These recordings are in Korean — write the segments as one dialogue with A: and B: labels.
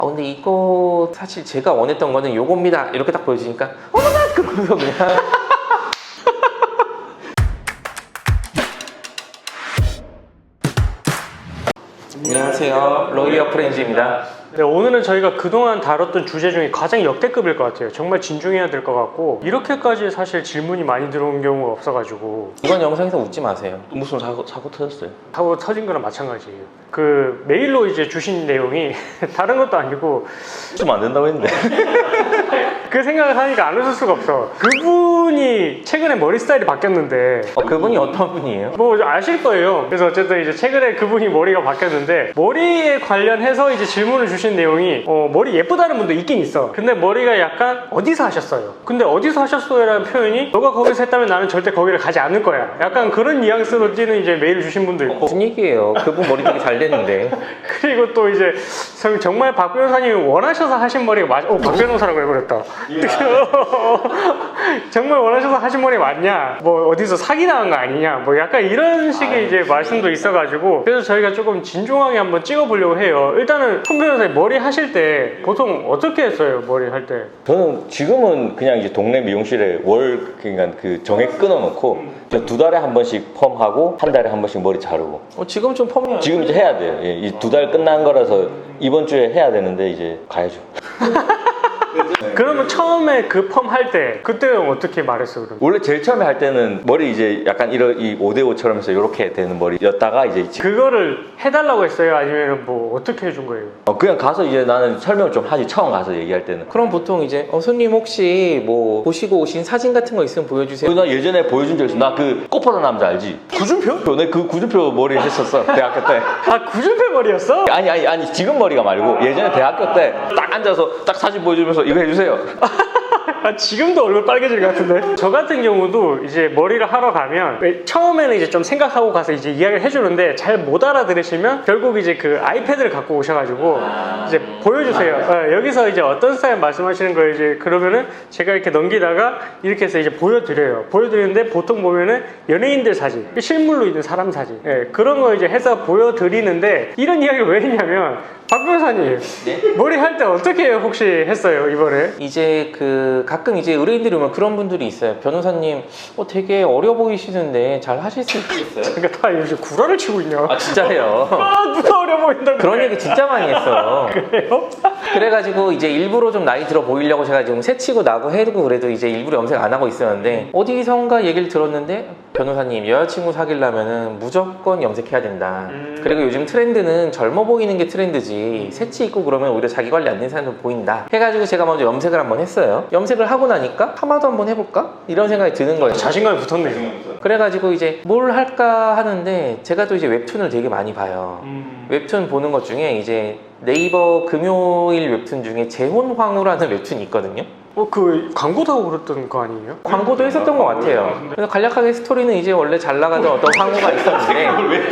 A: 아 근데 이거 사실 제가 원했던 거는 요겁니다 이렇게 딱 보여주니까 어머나 그러면서 그냥 안녕하세요, 로이어 프렌즈입니다.
B: 네, 오늘은 저희가 그동안 다뤘던 주제 중에 가장 역대급일 것 같아요. 정말 진중해야 될 것 같고 이렇게까지 사실 질문이 많이 들어온 경우가 없어가지고
A: 이번 영상에서 웃지 마세요.
C: 무슨 사고 터졌어요?
B: 사고 터진 거랑 마찬가지예요. 그 메일로 이제 주신 내용이 다른 것도 아니고
C: 좀 안 된다고 했는데.
B: 그 생각을 하니까 안 웃을 수가 없어. 그분이 최근에 머리 스타일이 바뀌었는데
A: 그분이 어떤 분이에요?
B: 뭐 아실 거예요. 그래서 어쨌든 이제 최근에 그분이 머리가 바뀌었는데 머리에 관련해서 이제 질문을 주신 내용이 머리 예쁘다는 분도 있긴 있어. 근데 머리가 약간 어디서 하셨어요? 근데 어디서 하셨어요? 라는 표현이 너가 거기서 했다면 나는 절대 거기를 가지 않을 거야. 약간 그런 뉘앙스로 띄는 이제 메일을 주신 분도 있고
A: 무슨 얘기예요? 그분 머리 되게 잘 됐는데.
B: 그리고 또 이제 정말 박 변호사님이 원하셔서 하신 머리가 박 변호사라고 해버렸다. 정말 원하셔서 하신 머리 맞냐? 뭐 어디서 사기당한 거 아니냐? 뭐 약간 이런 식의 이제 말씀도 있어가지고 그래서 저희가 조금 진중하게 한번 찍어보려고 해요. 일단은 손 변호사님 머리 하실 때 보통 어떻게 했어요? 머리 할 때?
C: 저는 지금은 그냥 이제 동네 미용실에 그러니까 그 정액 끊어놓고 두 달에 한 번씩 펌하고 한 달에 한 번씩 머리 자르고.
A: 지금 좀 펌이
C: 지금 이제 해야 돼요. 이 두 달 끝난 거라서 이번 주에 해야 되는데 이제 가야죠.
B: 그러면 처음에 그 펌 할 때 그때는 어떻게 말했어요? 그럼?
C: 원래 제일 처음에 할 때는 머리 이제 약간 이 5대5처럼 해서 이렇게 되는 머리였다가 이제
B: 그거를 해달라고 했어요? 아니면 뭐 어떻게 해준 거예요?
C: 그냥 가서 이제 나는 설명을 좀 하지. 처음 가서 얘기할 때는.
A: 그럼 보통 이제 손님 혹시 뭐 보시고 오신 사진 같은 거 있으면 보여주세요.
C: 나 예전에 보여준 적 있어. 나 그 꽃보다 남자 알지?
B: 구준표?
C: 내 그 구준표 머리 했었어. 대학교 때.
B: 아 구준표 머리였어?
C: 아니 지금 머리가 말고 예전에 대학교 때 딱 앉아서 딱 사진 보여주면서 이거 해주세요.
B: 아, 지금도 얼굴 빨개질 것 같은데. 저 같은 경우도 이제 머리를 하러 가면 처음에는 이제 좀 생각하고 가서 이제 이야기를 해주는데 잘 못 알아들으시면 결국 이제 그 아이패드를 갖고 오셔가지고 이제 보여주세요. 여기서 이제 어떤 스타일 말씀하시는 거예요? 이제 그러면은 제가 이렇게 넘기다가 이렇게 해서 이제 보여드려요. 보여드리는데 보통 보면은 연예인들 사진, 실물로 있는 사람 사진, 그런 거 이제 해서 보여드리는데 이런 이야기를 왜 했냐면 박 변호사님 머리 할 때 어떻게 혹시 했어요 이번에?
A: 이제 그 가끔 이제 의뢰인들이 오면 그런 분들이 있어요. 변호사님 되게 어려 보이시는데 잘 하실 수 있겠어요?
B: 그러니까 다 요즘 구라를 치고 있냐?
A: 아 진짜예요.
B: 누가 어려 보인다고
A: 그런 얘기 진짜 많이 했어.
B: 그래요?
A: 그래가지고 이제 일부러 좀 나이 들어 보이려고 제가 지금 새치고 나고 해두고 그래도 이제 일부러 염색 안 하고 있었는데 어디선가 얘기를 들었는데 변호사님 여자친구 사귀려면은 무조건 염색해야 된다. 그리고 요즘 트렌드는 젊어 보이는 게 트렌드지 새치 있고 그러면 오히려 자기 관리 안 되는 사람도 보인다 해가지고 제가 먼저 염색을 한번 했어요. 염색을 하고 나니까 파마도 한번 해볼까? 이런 생각이 드는 거예요.
B: 자신감이 붙었네요.
A: 그래가지고 이제 뭘 할까 하는데 제가 또 이제 웹툰을 되게 많이 봐요. 웹툰 보는 것 중에 이제 네이버 금요일 웹툰 중에 재혼황후라는 웹툰이 있거든요.
B: 그 광고도 하고 그랬던 거 아니에요?
A: 광고도 했었던 것 같아요. 그래서 간략하게 스토리는 이제 원래 잘 나가던 어떤 황후가 있었는데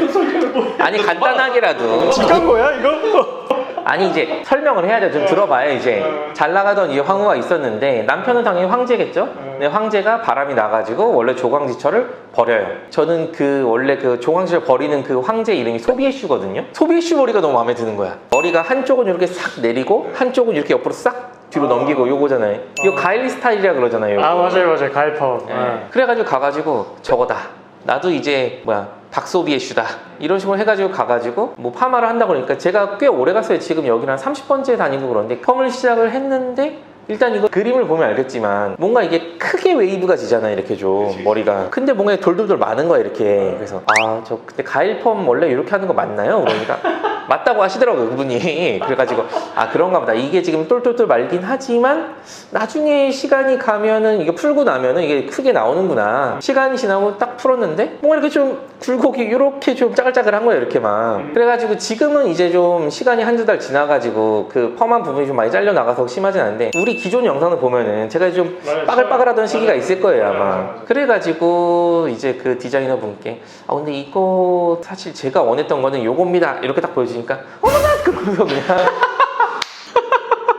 A: 아니 간단하게라도
B: 진짜인 거야 이거?
A: 아니 이제 설명을 해야죠. 좀 들어봐요. 이제 잘 나가던 이제 황후가 있었는데 남편은 당연히 황제겠죠. 근데 황제가 바람이 나가지고 원래 조광지철을 버려요. 저는 그 원래 그 조광지철 버리는 그 황제 이름이 소비에슈거든요. 소비에슈 머리가 너무 마음에 드는 거야. 머리가 한쪽은 이렇게 싹 내리고 한쪽은 이렇게 옆으로 싹 뒤로 넘기고 요거잖아요. 이거 가일리 스타일이라 그러잖아요.
B: 아 맞아요 가일펌.
A: 그래가지고 가가지고 저거다. 나도 이제 박소비에슈다 이런 식으로 해가지고 가가지고 뭐 파마를 한다고 그러니까 제가 꽤 오래 갔어요. 지금 여기는 한 30번째 다니고 그러는데 펌을 시작을 했는데 일단 이거 그림을 보면 알겠지만 뭔가 이게 크게 웨이브가 지잖아요. 이렇게 좀 그치. 머리가 근데 뭔가 돌돌돌 많은 거야 이렇게. 그래서 저 그때 가일펌 원래 이렇게 하는 거 맞나요? 그러니까 맞다고 하시더라고요 그분이. 그래가지고 그런가 보다. 이게 지금 똘똘똘 말긴 하지만 나중에 시간이 가면은 이게 풀고 나면은 이게 크게 나오는구나. 시간이 지나고 딱 풀었는데 뭔가 이렇게 좀 굴곡이 이렇게 좀 짜글짜글한 거예요 이렇게 막. 그래가지고 지금은 이제 좀 시간이 한두 달 지나가지고 그 펌한 부분이 좀 많이 잘려 나가서 심하진 않은데 우리 기존 영상을 보면은 제가 좀 빠글빠글하던 시기가 있을 거예요 아마. 그래가지고 이제 그 디자이너 분께 근데 이거 사실 제가 원했던 거는 요겁니다 이렇게 딱 보여주니까 어머나 그러면서 그냥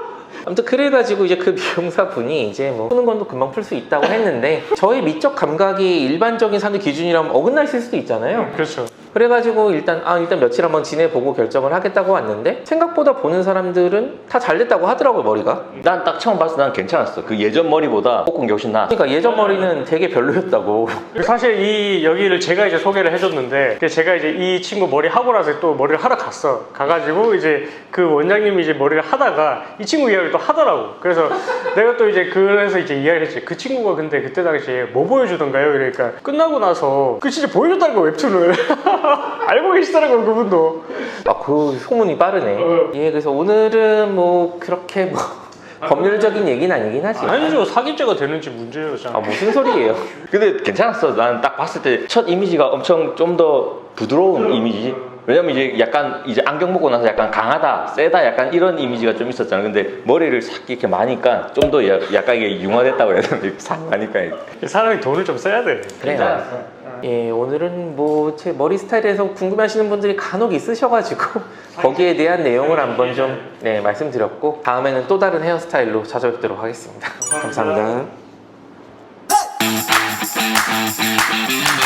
A: 아무튼 그래가지고 이제 그 미용사분이 이제 뭐 푸는 건 금방 풀 수 있다고 했는데 저의 미적 감각이 일반적인 사람들 기준이라면 어긋날 수도 있잖아요.
B: 그렇죠.
A: 그래가지고 일단 며칠 한번 지내보고 결정을 하겠다고 왔는데 생각보다 보는 사람들은 다 잘 됐다고 하더라고요, 머리가.
C: 난 딱 처음 봤을 때 난 괜찮았어. 그 예전 머리보다 볶은 게 훨씬 나아.
A: 그러니까 예전 머리는 되게 별로였다고.
B: 사실 이 여기를 제가 이제 소개를 해줬는데 제가 이제 이 친구 머리 하고 나서 또 머리를 하러 갔어. 가가지고 이제 그 원장님이 이제 머리를 하다가 이 친구 이야기를 또 하더라고. 그래서 내가 또 이제 그래서 이제 이야기를 했지. 그 친구가 근데 그때 당시에 뭐 보여주던가요? 이러니까 끝나고 나서 그 진짜 보여줬다는 거 웹툰을. 알고 계시더라고요, 그분도.
A: 그 소문이 빠르네. 예, 그래서 오늘은 뭐 그렇게 뭐 법률적인 얘기는 아니긴 하지.
B: 아니죠. 사기죄가 되는지 문제였잖아.
A: 무슨 소리예요?
C: 근데 괜찮았어. 난 딱 봤을 때 첫 이미지가 엄청 좀 더 부드러운 이미지. 왜냐면 이제 약간 이제 안경 먹고 나서 약간 강하다, 세다 약간 이런 이미지가 좀 있었잖아. 근데 머리를 싹 이렇게 마니까 좀 더 약간 이게 융화됐다고 해야 되나? 싹 마니까.
B: 사람이 돈을 좀 써야 돼.
A: 그래요. 예, 오늘은 뭐 제 머리 스타일에 대해서 궁금해하시는 분들이 간혹 있으셔가지고 거기에 대한 내용을 한번 좀 말씀드렸고 다음에는 또 다른 헤어스타일로 찾아뵙도록 하겠습니다. 감사합니다.